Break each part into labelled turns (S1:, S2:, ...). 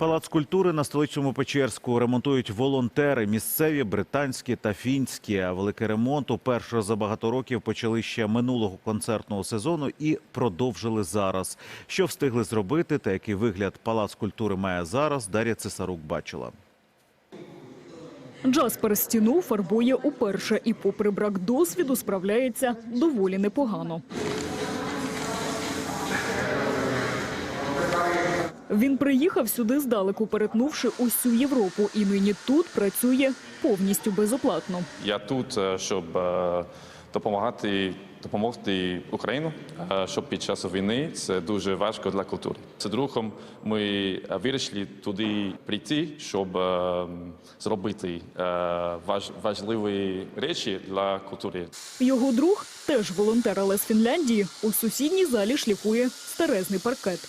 S1: Палац культури на Столичному Печерську ремонтують волонтери – місцеві, британські та фінські. А великий ремонт уперше за багато років почали ще минулого концертного сезону і продовжили зараз. Що встигли зробити та який вигляд Палац культури має зараз, Дар'я Цесарук бачила.
S2: Джаспер стіну фарбує уперше і попри брак досвіду справляється доволі непогано. Він приїхав сюди здалеку, перетнувши усю Європу, і нині тут працює повністю безоплатно.
S3: Я тут, щоб допомогти Україну, щоб під час війни це дуже важко для культури. З другом ми вирішили туди прийти, щоб зробити важливі речі для культури.
S2: Його друг, теж волонтер, але з Фінляндії, у сусідній залі шліфує старезний паркет.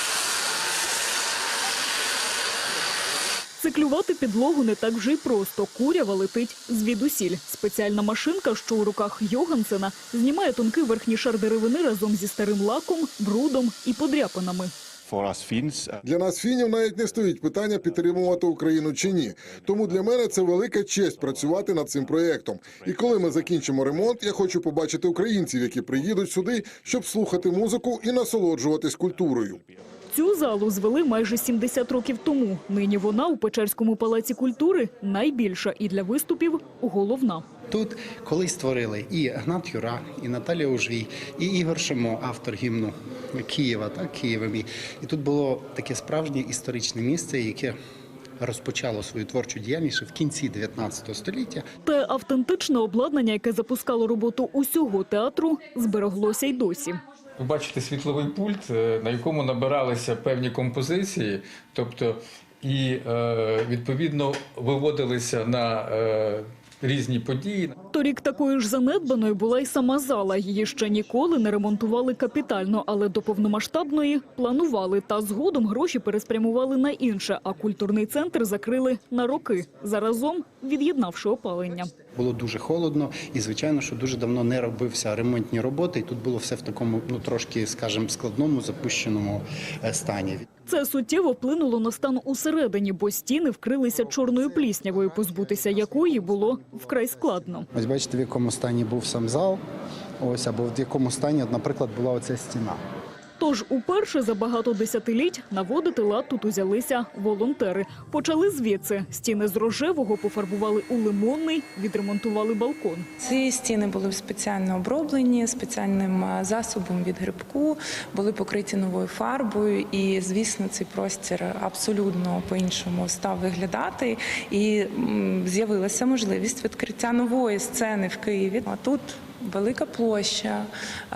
S2: Циклювати підлогу не так вже й просто. Курява летить звідусіль. Спеціальна машинка, що у руках Йогансена, знімає тонкий верхній шар деревини разом зі старим лаком, брудом і подряпинами.
S4: Для нас, фінів, навіть не стоїть питання, підтримувати Україну чи ні. Тому для мене це велика честь працювати над цим проєктом. І коли ми закінчимо ремонт, я хочу побачити українців, які приїдуть сюди, щоб слухати музику і насолоджуватись культурою.
S2: Цю залу звели майже 70 років тому. Нині вона у Печерському палаці культури найбільша і для виступів головна.
S5: Тут колись створили і Гнат Юра, і Наталія Ужвій, і Ігор Шимо, автор гімну Києва, Києвом. І тут було таке справжнє історичне місце, яке розпочало свою творчу діяльність в кінці 19 століття.
S2: Те автентичне обладнання, яке запускало роботу усього театру, збереглося й досі.
S6: Ви бачите світловий пульт, на якому набиралися певні композиції, тобто і відповідно виводилися на різні події.
S2: Торік такою ж занедбаною була й сама зала. Її ще ніколи не ремонтували капітально, але до повномасштабної планували. Та згодом гроші переспрямували на інше, а культурний центр закрили на роки, заразом від'єднавши опалення.
S5: Було дуже холодно і, звичайно, що дуже давно не робився ремонтні роботи. І тут було все в такому, трошки, скажімо, складному, запущеному стані.
S2: Це суттєво вплинуло на стан усередині, бо стіни вкрилися чорною пліснявою, позбутися якої було вкрай складно.
S5: Ось бачите, в якому стані був сам зал, ось, або в якому стані, наприклад, була оця стіна.
S2: Тож уперше за багато десятиліть наводити лад тут узялися волонтери. Почали звідси. Стіни з рожевого пофарбували у лимонний, відремонтували балкон.
S7: Ці стіни були спеціально оброблені, спеціальним засобом від грибку, були покриті новою фарбою і, звісно, цей простір абсолютно по-іншому став виглядати. І з'явилася можливість відкриття нової сцени в Києві. А тут велика площа,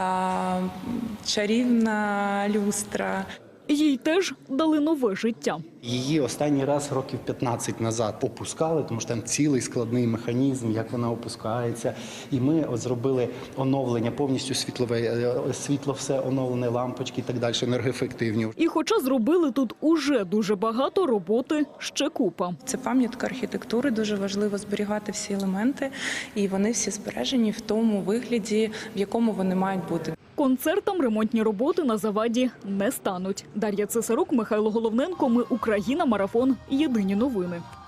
S7: чарівна люстра.
S2: Їй теж дали нове життя.
S5: Її останній раз років 15 назад опускали, тому що там цілий складний механізм, як вона опускається. І ми зробили оновлення, повністю світло все оновлене, лампочки і так далі, енергоефективні.
S2: І хоча зробили тут уже дуже багато, роботи ще купа.
S7: Це пам'ятка архітектури, дуже важливо зберігати всі елементи, і вони всі збережені в тому вигляді, в якому вони мають бути.
S2: Концертам ремонтні роботи на заваді не стануть. Дар'я Цесарук, Михайло Головненко. Ми Україна. Марафон. Єдині новини.